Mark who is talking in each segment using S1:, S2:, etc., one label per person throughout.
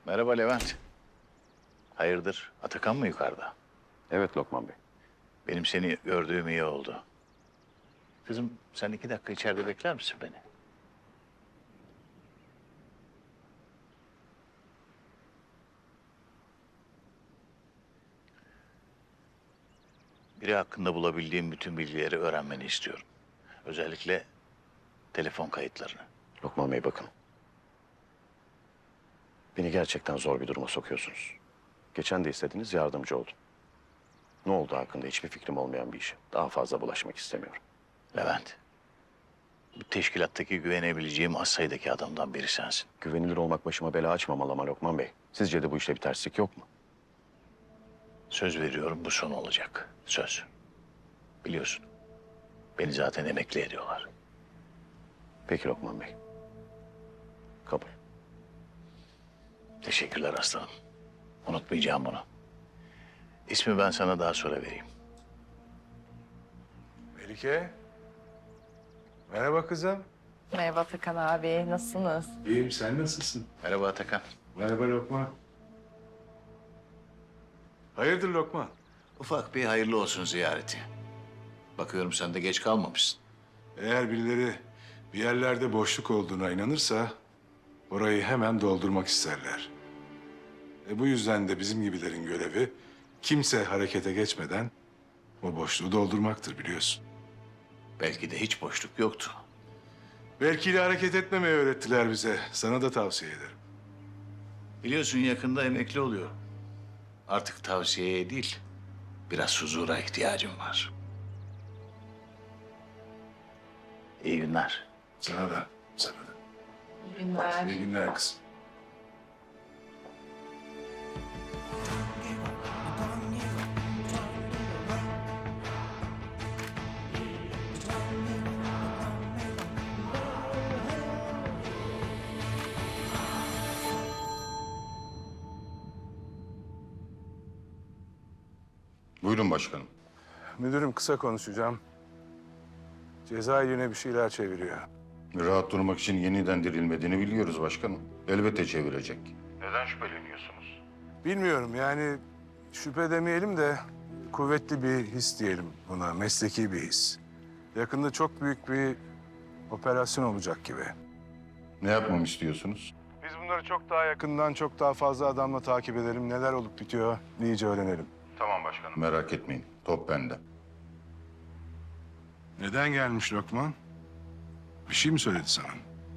S1: Merhaba Levent. Hayırdır? Atakan mı yukarıda?
S2: Evet Lokman Bey.
S1: Benim seni gördüğüm iyi oldu. Kızım sen 2 dakika içeride bekler misin beni? Biri hakkında bulabildiğim bütün bilgileri öğrenmeni istiyorum. Özellikle telefon kayıtlarını.
S2: Lokman Bey bakın. Beni gerçekten zor bir duruma sokuyorsunuz. Geçen de istediniz, yardımcı oldum. Ne oldu hakkında hiçbir fikrim olmayan bir işe. Daha fazla bulaşmak istemiyorum.
S1: Levent, bu teşkilattaki güvenebileceğim az sayıdaki adamdan biri sensin.
S2: Güvenilir olmak başıma bela açmamalı ama Lokman Bey. Sizce de bu işte bir terslik yok mu?
S1: Söz veriyorum bu son olacak. Söz. Biliyorsun. Beni zaten emekli ediyorlar.
S2: Peki Lokman Bey. Kabul.
S1: Teşekkürler aslanım. Unutmayacağım bunu. İsmi ben sana daha sonra vereyim.
S3: Melike. Merhaba kızım.
S4: Merhaba Atakan abi, nasılsınız?
S3: İyiyim, sen nasılsın?
S1: Merhaba Atakan.
S3: Merhaba Lokman. Hayırdır Lokman?
S1: Ufak bir hayırlı olsun ziyareti. Bakıyorum sen de geç kalmamışsın.
S3: Eğer birileri bir yerlerde boşluk olduğuna inanırsa orayı hemen doldurmak isterler. Bu yüzden de bizim gibilerin görevi kimse harekete geçmeden o boşluğu doldurmaktır biliyorsun.
S1: Belki de hiç boşluk yoktu.
S3: Belki de hareket etmemeyi öğrettiler bize. Sana da tavsiye ederim.
S1: Biliyorsun yakında emekli oluyor. Artık tavsiyeye değil, biraz huzura ihtiyacım var. İyi günler.
S3: Sana da, sana da.
S4: İyi günler.
S3: İyi günler kızım.
S5: Buyurun başkanım.
S3: Müdürüm kısa konuşacağım. Cezaevine bir şeyler çeviriyor.
S5: Rahat durmak için yeniden dirilmediğini biliyoruz başkanım. Elbette çevirecek. Neden şüpheleniyorsunuz?
S3: Bilmiyorum yani şüphe demeyelim de kuvvetli bir his diyelim buna, mesleki bir his. Yakında çok büyük bir operasyon olacak gibi.
S5: Ne yapmamı istiyorsunuz?
S3: Biz bunları çok daha yakından, çok daha fazla adamla takip edelim. Neler olup bitiyor iyice öğrenelim.
S5: Tamam başkanım. Merak etmeyin. Top bende.
S3: Neden gelmiş Lokman? Bir şey mi söyledi sana?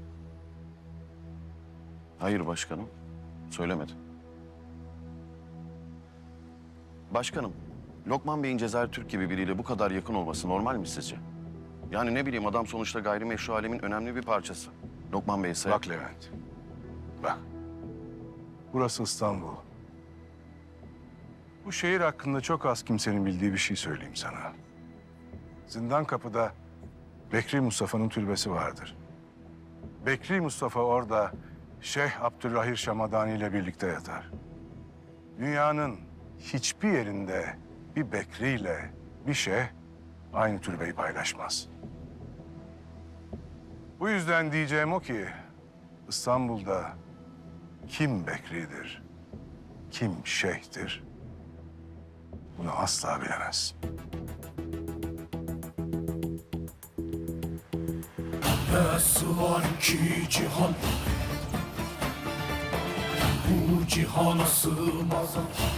S2: Hayır başkanım. Söylemedi. Başkanım, Lokman Bey'in Cezayir Türk gibi biriyle bu kadar yakın olması normal mi sizce? Yani ne bileyim adam sonuçta gayrimeşru alemin önemli bir parçası. Lokman Bey ise...
S3: Bak Levent, bak. Burası İstanbul. Bu şehir hakkında çok az kimsenin bildiği bir şey söyleyeyim sana. Zindan Kapı'da Bekri Mustafa'nın türbesi vardır. Bekri Mustafa orada Şeyh Abdülrahir Şamadani ile birlikte yatar. Dünyanın hiçbir yerinde bir Bekri ile bir şeyh aynı türbeyi paylaşmaz. Bu yüzden diyeceğim o ki İstanbul'da kim Bekri'dir, kim şeyhtir bunu asla bilemez.
S6: Nasıl var ki cihan, bu cihana sığmaz.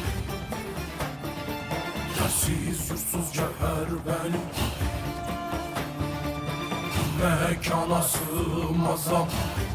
S6: Yersiz yursuz cevher benim, mekana sığmaz.